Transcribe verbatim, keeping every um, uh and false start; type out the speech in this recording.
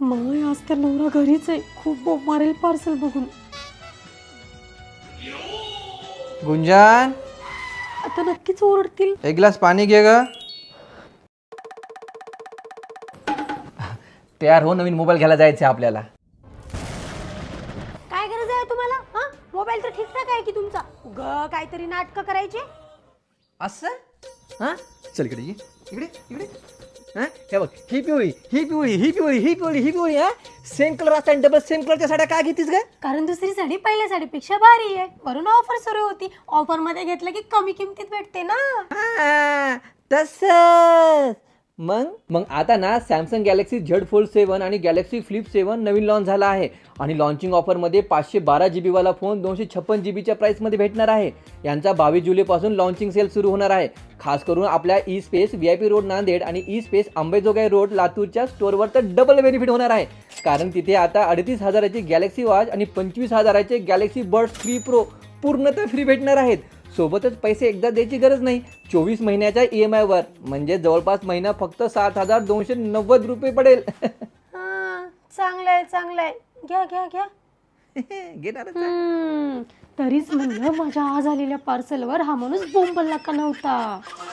मग आज तर नवरा घरीच आहे, खूप बोंब मारेल पार्सल बघून. गुंजान, आता नक्कीच ओरडतील. एक ग्लास पाणी घे ग. तयार हो, नवीन मोबाईल घ्यायला जायचं आपल्याला. काय गरज आहे तुम्हाला? हा, मोबाईल तर ठीकठाक आहे की तुमचा. ग काहीतरी नाटकं करायचे. असं हा, चल इकडे ये. इकडे इकडे हा, हे बघ, ही पिवळी ही पिवळी ही पिवळी ही पिवळी ही पिवळी हा, सेम कलर असता डबल सेम कलरच्या साड्या काय घेतीस ग? कारण दुसरी साडी पहिल्या साडीपेक्षा भारी आहे, वरून ऑफर सुरू होती. ऑफर मध्ये घेतलं की कमी किमतीत भेटते ना. हा, तसंच. मग मग आता ना Samsung Galaxy Z Fold seven आणि गॅलेक्सी फ्लिप सेवन नवीन लॉन्च झाला आहे आणि लॉन्चिंग ऑफरमध्ये पाचशे बारा जी बीवाला फोन दोनशे छप्पन जी बीच्या प्राईसमध्ये भेटणार आहे. यांचा बावीस जुलैपासून लॉन्चिंग सेल सुरू होणार आहे. खास करून आपल्या E Space V I P road Nanded आणि ई स्पेस अंबेजोगाई रोड लातूरच्या स्टोअरवर तर डबल बेनिफिट होणार आहे. कारण तिथे आता अडतीस हजाराची गॅलेक्सी वॉच आणि पंचवीस हजाराचे गॅलेक्सी बड्स थ्री प्रो पूर्णतः फ्री भेटणार आहेत. सोबतच पैसे एकदा द्यायची गरज नाही, चोवीस महिन्याच्या ई एम आयवर, म्हणजे जवळपास महिना फक्त सात हजार दोनशे नव्वद रुपये पडेल. हा, चांगलंय चांगलंय, घ्या घ्या घ्या. घेणार हम्म, तरीच म्हणलं माझ्या आज आलेल्या पार्सलवर हा माणूस बोंबलला का नव्हता.